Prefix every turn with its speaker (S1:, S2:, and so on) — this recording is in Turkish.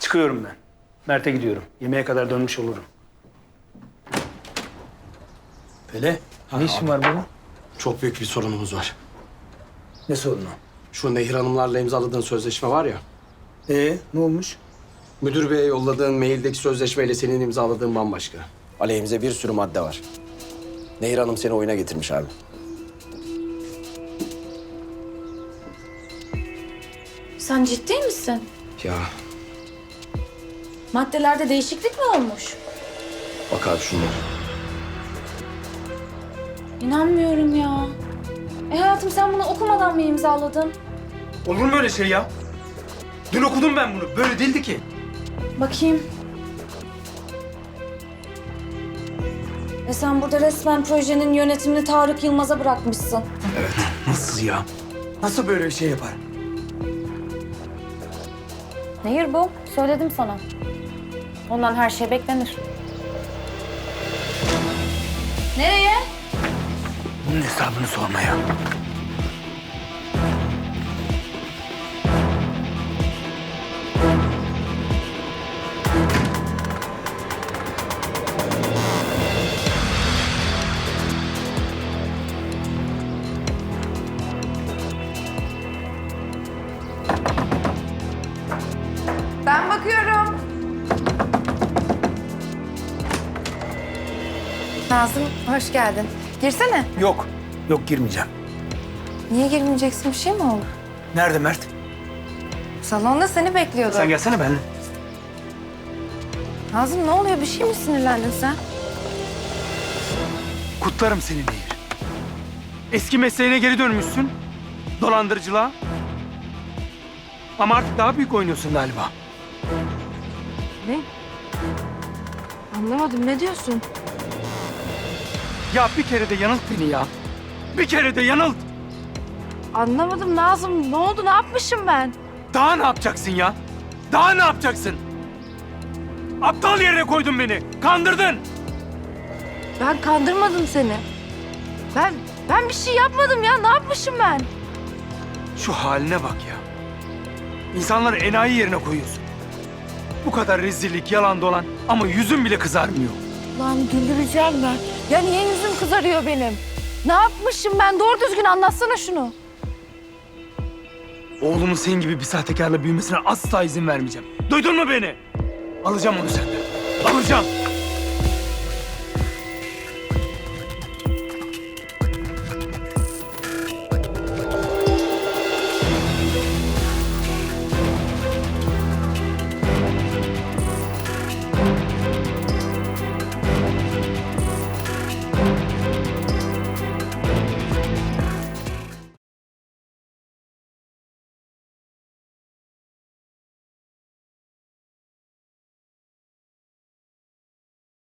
S1: Çıkıyorum ben. Mert'e gidiyorum. Yemeğe kadar dönmüş olurum. Pele, ne işin var burada?
S2: Çok büyük bir sorunumuz var.
S1: Ne sorunu?
S2: Şu Nehir Hanımlarla imzaladığın sözleşme var ya.
S1: Ne olmuş?
S2: Müdür beye yolladığın maildeki sözleşmeyle senin imzaladığın bambaşka. Aleyhimize bir sürü madde var. Nehir Hanım seni oyuna getirmiş abi.
S3: Sen ciddi misin?
S2: Ya
S3: Maddelerde değişiklik mi olmuş?
S2: bak abi şunlara.
S3: İnanmıyorum ya. Hayatım sen bunu okumadan mı imzaladın?
S1: Olur mu öyle şey ya? Dün okudum ben bunu. Böyle değildi ki.
S3: Bakayım. Sen burada resmen projenin yönetimini Tarık Yılmaz'a bırakmışsın.
S1: Nasıl ya? Nasıl böyle bir şey yapar?
S3: Nehir bu. Söyledim sana. Ondan her şey beklenir. Nereye?
S1: Bunun hesabını sormaya.
S4: Ben bakıyorum. Nazım, hoş geldin. Girsene.
S1: Yok. Yok girmeyeceğim.
S4: Niye girmeyeceksin? Bir şey mi oldu?
S1: Nerede Mert?
S4: Salonda seni bekliyordu.
S1: Sen gelsene benimle.
S4: Nazım ne oluyor? Bir şey mi sinirlendin sen?
S1: Kutlarım seni Nehir. Eski mesleğine geri dönmüşsün. Dolandırıcılığa. Ama artık daha büyük oynuyorsun galiba.
S4: Ne? Anlamadım. Ne diyorsun?
S1: Ya bir kere de yanılt beni ya. Bir kere de yanılt.
S4: Anlamadım Nazım. Ne oldu? Ne yapmışım ben?
S1: Daha ne yapacaksın ya? Daha ne yapacaksın? Aptal yerine koydun beni. Kandırdın.
S4: Ben kandırmadım seni. Ben bir şey yapmadım ya. Ne yapmışım ben?
S1: Şu haline bak ya. İnsanları enayi yerine koyuyorsun. Bu kadar rezillik, yalan dolan ama yüzün bile kızarmıyor.
S4: Lan güldüreceğim ben. Ya niye yüzüm kızarıyor benim? Ne yapmışım ben? Doğru düzgün anlatsana şunu.
S1: Oğlumun senin gibi bir sahtekarla büyümesine asla izin vermeyeceğim. Duydun mu beni? Alacağım onu senden. Alacağım.